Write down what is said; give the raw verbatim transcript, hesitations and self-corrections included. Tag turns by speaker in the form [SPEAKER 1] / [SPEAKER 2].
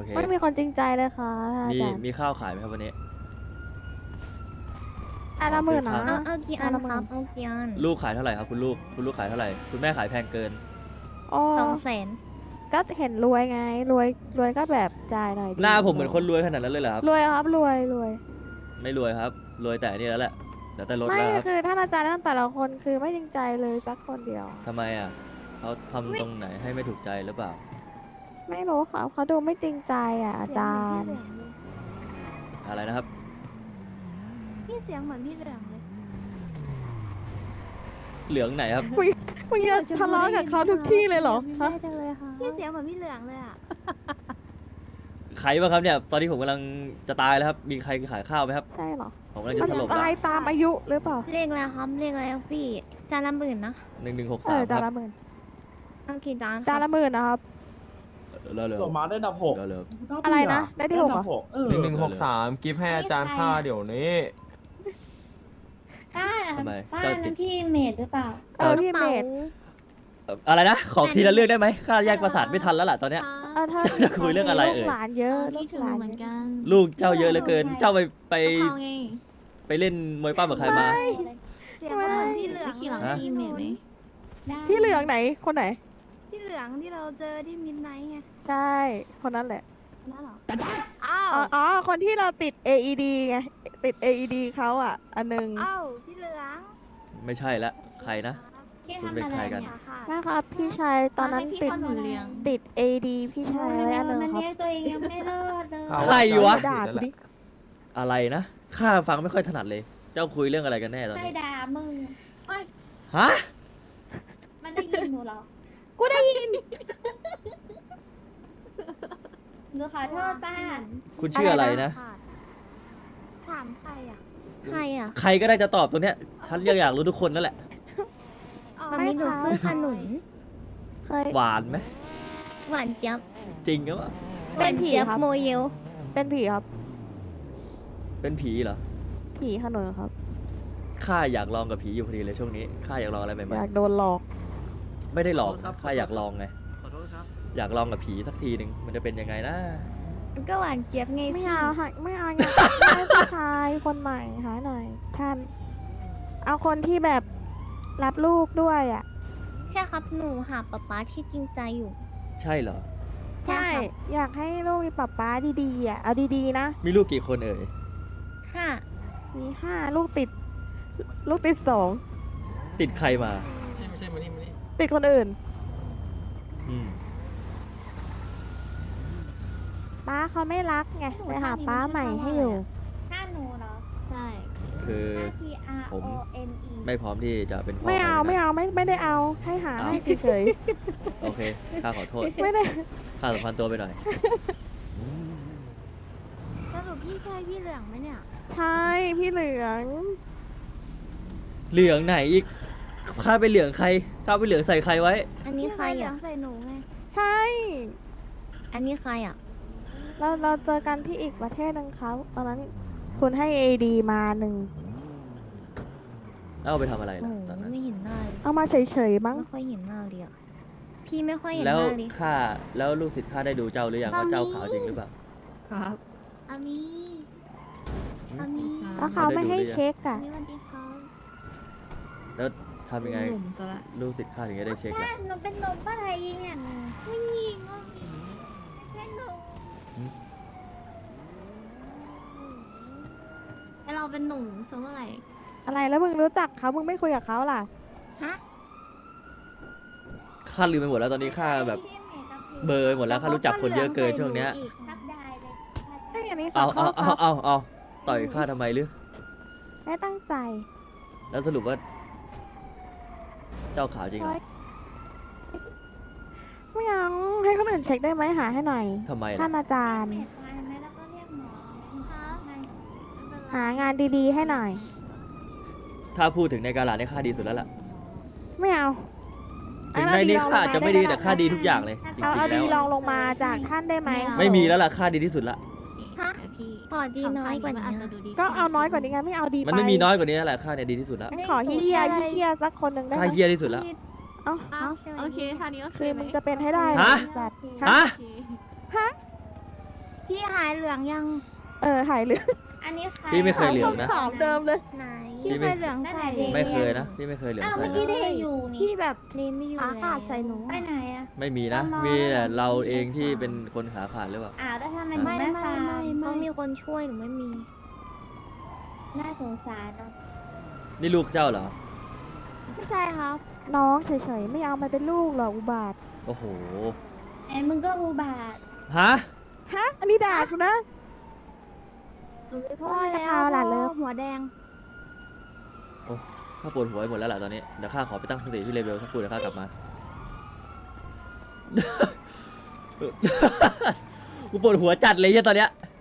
[SPEAKER 1] เค
[SPEAKER 2] ไม่มีคนจริงใจเลยค่ะอา
[SPEAKER 1] มี
[SPEAKER 2] จารย์
[SPEAKER 1] มีข้าวขายไหมครับวันนี้
[SPEAKER 2] อันละหมื่นนะ
[SPEAKER 3] เอาเอากี่อัน
[SPEAKER 2] ละห
[SPEAKER 3] ค
[SPEAKER 2] มื่
[SPEAKER 3] รับเอากี่อัน
[SPEAKER 1] ลูกขายเท่าไหร่ครับคุณลูกคุณลูกขายเท่าไหร่คุณแม่ขายแพงเกิน
[SPEAKER 2] โอ้
[SPEAKER 3] สองแสน
[SPEAKER 2] ก็เห็นรวยไงรวยรวยก็แบบจ่ายหน่อยดิ
[SPEAKER 1] หน้าผมเหมือนคนรวยขนาดนั้นเลยเหรอครับ
[SPEAKER 2] รวยครับรวยรวย
[SPEAKER 1] ไม่รวยครับรวยแต่นี่แล้วแหละแล้วแต่รถ
[SPEAKER 2] ไม่
[SPEAKER 1] แล้วครับ
[SPEAKER 2] คือท่านอาจารย์ท่านแต่ละคนคือไม่จริงใจเลยสักคนเดียว
[SPEAKER 1] ทำไมอ่ะเขาทำตรงไหนให้ไม่ถูกใจหรือเปล่า
[SPEAKER 2] ไม่รู้ค่ะเขาดูไม่จริงใจอ่ะอาจารย์
[SPEAKER 1] อะไรนะครับ
[SPEAKER 4] พี่เสียงเหมือนพี่เหลืองเลย
[SPEAKER 1] เหลืองไหนครับ
[SPEAKER 2] คุยคุยจะทะเลาะกับเขาทุกที่เลยเหรอฮะ
[SPEAKER 4] ไม่ได้เลยค่ะพี่เสียงเหมือนพี่เหลืองเลยอ่ะ
[SPEAKER 1] ใครบ้างครับเนี่ยตอนนี้ผมกำลังจะตายแล้วครับมีใครขายข้าวไหมครับ
[SPEAKER 2] ใช่เหรอ
[SPEAKER 1] ผมกำลัง
[SPEAKER 2] มั
[SPEAKER 1] จะ
[SPEAKER 2] น
[SPEAKER 1] สลบแล้ว
[SPEAKER 2] ตายตามอายุหรือเปล่า
[SPEAKER 3] เรียกอะไรครับเรียกอะไรครับพี่จานละหมื่นนะ
[SPEAKER 1] หนึ่งหนึ่งหก
[SPEAKER 2] เอ
[SPEAKER 1] สาม
[SPEAKER 2] อ
[SPEAKER 1] ค
[SPEAKER 2] จาน
[SPEAKER 1] รั
[SPEAKER 2] ละ
[SPEAKER 1] บ
[SPEAKER 2] หมื่น
[SPEAKER 3] เอากี่จานค
[SPEAKER 2] จาน
[SPEAKER 3] รับ
[SPEAKER 2] ละหมื่นนะครับ
[SPEAKER 1] เร็วเร็ว
[SPEAKER 5] ส่งมาได้อันดับหก
[SPEAKER 1] เร็วเร็ว
[SPEAKER 2] อะไรนะได้ที่หกเหรอ
[SPEAKER 5] เออ
[SPEAKER 6] หนึ่งหนึ่งหกสามกิฟต์ให้อาจารย์ค่าเดี๋ยวนี้
[SPEAKER 7] ป้า
[SPEAKER 1] ทำไม
[SPEAKER 7] ป้า
[SPEAKER 1] เจ้าติ
[SPEAKER 7] นั่
[SPEAKER 1] ด
[SPEAKER 7] นพี่เมดหรือเปล่า
[SPEAKER 2] เออพี่เมด
[SPEAKER 1] เอ่ออะไรนะขอทีละเรื่องได้ไหมข้าแยกประสาทไม่ทันแล้วล่ะตอนเนี้ย
[SPEAKER 2] เออถ้า
[SPEAKER 1] จะคุยเรื่องอะไรเอ่ย
[SPEAKER 2] ลูกหลานเยอะลู
[SPEAKER 4] พี่
[SPEAKER 2] ก
[SPEAKER 4] ถึง
[SPEAKER 2] หลาน
[SPEAKER 4] เหมือน
[SPEAKER 2] เยอะ
[SPEAKER 4] กัน
[SPEAKER 1] ลูกเจ้าเยอะเหลือเกิน เจ้าไปไป
[SPEAKER 4] เขาไง
[SPEAKER 1] ไปเล่นมวยปั้มกับใครมา
[SPEAKER 4] เสียงเหมือนพี่เหลือง
[SPEAKER 7] พี่ขี่หลัง
[SPEAKER 1] ฮะ
[SPEAKER 4] พี่เมดไหม
[SPEAKER 7] ได้
[SPEAKER 2] พี่เหลืองไหนคนไหน
[SPEAKER 4] พี่เหลืองที่เราเจอที่มิดไนท์ไง
[SPEAKER 2] ใช่คนนั้นแหละ
[SPEAKER 4] นั่นเหรออ้าว
[SPEAKER 2] อ๋ออ๋อคนที่เราติด เอ อี ดี ไงติด เอ อี ดี เขาอ่ะ อันหนึง
[SPEAKER 4] อ้าวพี่เหลือง
[SPEAKER 1] ไม่ใช่ละใครนะ
[SPEAKER 7] พี่
[SPEAKER 1] คุณ
[SPEAKER 7] ทำ
[SPEAKER 1] เป็น
[SPEAKER 7] อะไร
[SPEAKER 1] ใครกัน
[SPEAKER 7] เนี่ย
[SPEAKER 4] ค่ะ
[SPEAKER 2] นะครับพี่ชายตอนนั้นติด
[SPEAKER 4] ให้พี่คนหนูเลี้ยง
[SPEAKER 2] ติด เอ ดี พี่ชายไว้อันหนึง
[SPEAKER 7] มัน
[SPEAKER 2] ครับ
[SPEAKER 7] เรียกตัวเองยังไม่เลิศเลย
[SPEAKER 6] เอา
[SPEAKER 1] ใครวะ
[SPEAKER 2] ด่ากูดิ
[SPEAKER 1] อะไรนะข้าฟังไม่ค่อยถนัดเลย เจ้าคุยเรื่องอะไรกันแน่ตอน
[SPEAKER 7] ใคร
[SPEAKER 1] นี้
[SPEAKER 7] ด่ามึงโอ้ย
[SPEAKER 1] ฮะ
[SPEAKER 7] มันได้ยินหนูเหรอ
[SPEAKER 2] กูได้ยิน
[SPEAKER 7] หนูขอโทษป้า
[SPEAKER 1] คุณชื่ออะไรนะ
[SPEAKER 4] ถามใครอ่ะ
[SPEAKER 3] ใครอ่ะ
[SPEAKER 1] ใครก็ได้จะตอบตัวเนี้ย ฉันยังอยากรู้ทุกคนนั่นแหละ
[SPEAKER 4] อ๋อ
[SPEAKER 3] มันมีหนูซื้อขนุน
[SPEAKER 2] เคย
[SPEAKER 1] หวานไหม
[SPEAKER 3] หวานเจี๊ยบ
[SPEAKER 1] จริงหรือเปล่า
[SPEAKER 2] เป็นผี
[SPEAKER 3] เจี๊ยบ
[SPEAKER 2] ครับ
[SPEAKER 3] โมเยล
[SPEAKER 2] เป็นผีครับ
[SPEAKER 1] เป็นผีเหรอ
[SPEAKER 2] ผีขนุนครับ
[SPEAKER 1] ข้าอยากลองกับผีอยู่พอดีเลยช่วงนี้ ข้าอยากลองอะไรใหม่
[SPEAKER 2] อยากโดนหลอก
[SPEAKER 1] ๆ ไม่ได้หลอกข้าอยากลองไง
[SPEAKER 6] ขอโทษครับ
[SPEAKER 1] อยากลองกับผีสักทีหนึ่งมันจะเป็นยังไงนะ
[SPEAKER 3] มันก็หวานเจี๊ยบไง
[SPEAKER 2] ไม่
[SPEAKER 3] พี่
[SPEAKER 2] เอาหาไม่เอาอยากได้ผู้ชายคนใหม่หาหน่อย ท่าน เอาคนที่แบบรับลูกด้วยอ่ะ
[SPEAKER 3] ใช่ครับหนูหาป๊าป๊าที่จริงใจอยู่
[SPEAKER 1] ใช่เหรอ
[SPEAKER 3] ใช่
[SPEAKER 2] ใช่
[SPEAKER 3] ครับ
[SPEAKER 2] อยากให้ลูกมีป๊าป๊าดีๆอ่ะ เอาดีๆนะ
[SPEAKER 1] มีลูกกี่คนเอ่ย
[SPEAKER 3] ห้า
[SPEAKER 2] มีห้าลูกติด ลูกติดสอง
[SPEAKER 1] ติดใครมา
[SPEAKER 6] ไม่ใช่ไม่ใช่มานี่มานี่
[SPEAKER 2] ติดคนอื่น
[SPEAKER 1] อืม
[SPEAKER 2] ป้าเขาไม่รักไงไปหาป้าใหม่ให้อยู่
[SPEAKER 7] ถ้าหนูเหรอ
[SPEAKER 4] ใช่
[SPEAKER 1] คือ
[SPEAKER 7] ถ้า P R
[SPEAKER 1] ผม
[SPEAKER 7] O N E
[SPEAKER 1] ไม่พร้อมที่จะเป็นพ่อ
[SPEAKER 2] ไม่เอา
[SPEAKER 1] ใคร
[SPEAKER 2] ไม่
[SPEAKER 1] นะ
[SPEAKER 2] เอาไม่ไม่ได้เอาให้หา
[SPEAKER 1] เอา
[SPEAKER 2] ให้เฉย
[SPEAKER 1] โอเค ข้าขอโทษ
[SPEAKER 2] ๆ ไม่ได้
[SPEAKER 1] ข้าสัมพันธ์ตัวไปหน่อย
[SPEAKER 4] สรุปพี่ใช่พี่เหลืองไหมเนี่ย
[SPEAKER 2] ใช่พี่เหลือง
[SPEAKER 1] เหลืองไหนอีก ข้าไปเหลืองใคร ข้าไปเหลืองใส่ใครไว้
[SPEAKER 3] อันนี้ใคร
[SPEAKER 4] พี่เหลือ
[SPEAKER 3] อ่ะ
[SPEAKER 4] งใส่หนูไง
[SPEAKER 2] ใช่
[SPEAKER 3] อันนี้ใครอ่ะ
[SPEAKER 2] เราเราเจอกันที่อีกประเทศหนึงเขาตอนนั้นคุณให้เอดีมาหนึ่ง
[SPEAKER 1] เอาไปทำอะไร
[SPEAKER 3] โอ้
[SPEAKER 1] ล่ะ
[SPEAKER 3] โห
[SPEAKER 1] ตอนนั้น
[SPEAKER 3] ไม่เห็นหน้าเลย
[SPEAKER 2] เอามาเฉยๆมั้ง
[SPEAKER 3] ไม่ค่อยเห็นหน้าเลยอ่ะพี่ไม่ค่อยเห็น
[SPEAKER 1] แล้
[SPEAKER 3] ห
[SPEAKER 1] ว
[SPEAKER 3] น้าเลย
[SPEAKER 1] ข้า แล้วลูกศิษย์ข้าได้ดูเจ้าหรือยังว่าเจ้าขาวจริงหรือเปล่า
[SPEAKER 4] ครับ
[SPEAKER 7] อามีอามี
[SPEAKER 2] แล้วเขาไม่ให้เช็ค
[SPEAKER 7] อา
[SPEAKER 2] อ่ะ
[SPEAKER 7] มีสวัสดีครับ
[SPEAKER 1] แล้วทำยังไง
[SPEAKER 4] หนุ่มซะละ
[SPEAKER 1] ลูกศิษย์ข้าถึงจะได้เช็ค
[SPEAKER 7] ถ้า
[SPEAKER 1] ล่ะ
[SPEAKER 7] หนูเป็นหนุ่มป้าไทยยิงอ่ะผู้หญิงอ่ะไม่ใช่หนุ่ม
[SPEAKER 4] ไอเราเป็นหนุ่มซะเมื่อไหร่
[SPEAKER 2] อะไรแล้วมึงรู้จักเขามึงไม่คุยกับเขาล่ะ
[SPEAKER 7] ฮะ
[SPEAKER 1] ข้าลืมไปหมดแล้วตอนนี้ข้าแบบ
[SPEAKER 7] พี่เมย์กับพี่
[SPEAKER 1] เบลอร์หมดแล้วข้ารู้จักคนเยอะเกินช่วงเนี้ย
[SPEAKER 7] รับได้เลย
[SPEAKER 2] เอ้ยอันนี้ข
[SPEAKER 1] เอา
[SPEAKER 2] อโท
[SPEAKER 1] เอา
[SPEAKER 2] ษค
[SPEAKER 1] เอา
[SPEAKER 2] รับ
[SPEAKER 1] เอาเอาต่อยข้าทำไมหรือ
[SPEAKER 2] ไม่ตั้งใจ
[SPEAKER 1] แล้วสรุปว่า เจ้าขาวจริงเหรอ
[SPEAKER 2] ไม่เอาให้คนอื่นเช็คได้ไหมหาให้หน่อย
[SPEAKER 1] ทำไม
[SPEAKER 2] ท่า
[SPEAKER 1] ล่ะ
[SPEAKER 2] นอาจารย์
[SPEAKER 7] เมย์ไปไหมแล้วก็เรียกหมอไหมไม่เป็นไร
[SPEAKER 2] หางานดีๆให้หน่อย
[SPEAKER 1] ถ้าพูดถึงในกาลาเนี่ยข้าดีสุดแล้วล่ะ
[SPEAKER 2] ไม่เอา
[SPEAKER 1] ถึงในนี้ข้าอาจจะไม่ดีแต่ข้าดีทุกอย่างเลย จริ
[SPEAKER 2] เอา
[SPEAKER 1] ง
[SPEAKER 2] เอา
[SPEAKER 1] ๆแล้
[SPEAKER 2] ดี
[SPEAKER 1] ว
[SPEAKER 2] ลองลงมาจากท่านได้ไหม
[SPEAKER 1] ไม่มีแล้วล่ะข้าดีที่สุดละ
[SPEAKER 3] ฮะ
[SPEAKER 4] พี่
[SPEAKER 3] ขอดีน้อยกว่า
[SPEAKER 4] มั
[SPEAKER 3] นี้
[SPEAKER 4] อาจจะดูดี
[SPEAKER 2] ก็เอาน้อยกว่านี้ไงไม่เอาดีไป
[SPEAKER 1] มันไม่มีน้อยกว่านี้แล้วแหละข้าเนี่ยดีที่สุดละ
[SPEAKER 2] งั้นขอเฮียๆเฮียๆสักคนหนึ่งได้ไห
[SPEAKER 1] ข้าม เฮี้ยที่สุดละ
[SPEAKER 2] เอ้า
[SPEAKER 4] อ้าวโอเคท่านี้โอเค
[SPEAKER 2] คือ
[SPEAKER 4] ไหม
[SPEAKER 2] มึงจะเป็นให้ได้
[SPEAKER 1] ฮะ
[SPEAKER 2] แบบ
[SPEAKER 1] ฮะ
[SPEAKER 4] โอเค
[SPEAKER 2] ฮะ
[SPEAKER 4] พี่หายเหลืองยัง
[SPEAKER 2] เออหายเหลือง
[SPEAKER 7] อันนี้ใคร
[SPEAKER 1] พี่ไม่เคยเหลืองนะ
[SPEAKER 2] ขาวเดิมเลย
[SPEAKER 3] ไหน
[SPEAKER 4] พี่เคยเหลืองใส่
[SPEAKER 1] ไม่เคยนะพี่ไม่เคยเหลือง
[SPEAKER 7] อ้าว
[SPEAKER 1] ใส่
[SPEAKER 7] เมื่อกี้
[SPEAKER 1] นะ
[SPEAKER 7] ได้อยู่นี่
[SPEAKER 4] พี่แบบ
[SPEAKER 3] เลนไม่อยู่
[SPEAKER 4] ขาขาด
[SPEAKER 3] แล้ว
[SPEAKER 4] ใส่หนู
[SPEAKER 7] ไปไหนอะ
[SPEAKER 1] ไม่มีนะ
[SPEAKER 7] ตามมา
[SPEAKER 1] มีแต่
[SPEAKER 7] แล้ว
[SPEAKER 1] เราเองที่เป็นคนขาขาดหรือเปล่า
[SPEAKER 7] อ้าวแล้วทำไมหนู
[SPEAKER 4] ไม่
[SPEAKER 7] ไม่
[SPEAKER 4] ไม่
[SPEAKER 7] ฟาร์
[SPEAKER 4] ไม่
[SPEAKER 7] ม
[SPEAKER 3] ต้อ
[SPEAKER 4] ไม่
[SPEAKER 3] งมีคนช่วยหนูไม่มี
[SPEAKER 7] น่าสงสารเนาะ
[SPEAKER 1] นี่ลูกเจ้าเหรอ
[SPEAKER 4] ไม่ใช่ครับ
[SPEAKER 2] น้องเฉยๆไม่เอามาเป็นลูกหรอกอุบาท
[SPEAKER 1] โอ้โห
[SPEAKER 7] ไอ้มึงก็อุบาท
[SPEAKER 1] ฮะ
[SPEAKER 2] ฮะ อันนี้ด่ากูนะ
[SPEAKER 4] หนูไม่พ่อ
[SPEAKER 2] ว่า
[SPEAKER 4] แล้ว
[SPEAKER 2] จะเอาหลานเลิฟ
[SPEAKER 4] หัวแดง
[SPEAKER 1] โอ้ข้าปวดหัวไปหมดแล้วล่ะตอนนี้เดี๋ยวข้าขอไปตั้งสติที่เลเวลสักครู่เดี๋ยวข้ากลับมา กูปวดหัวจัดเลยเนี่ยตอนเนี้ย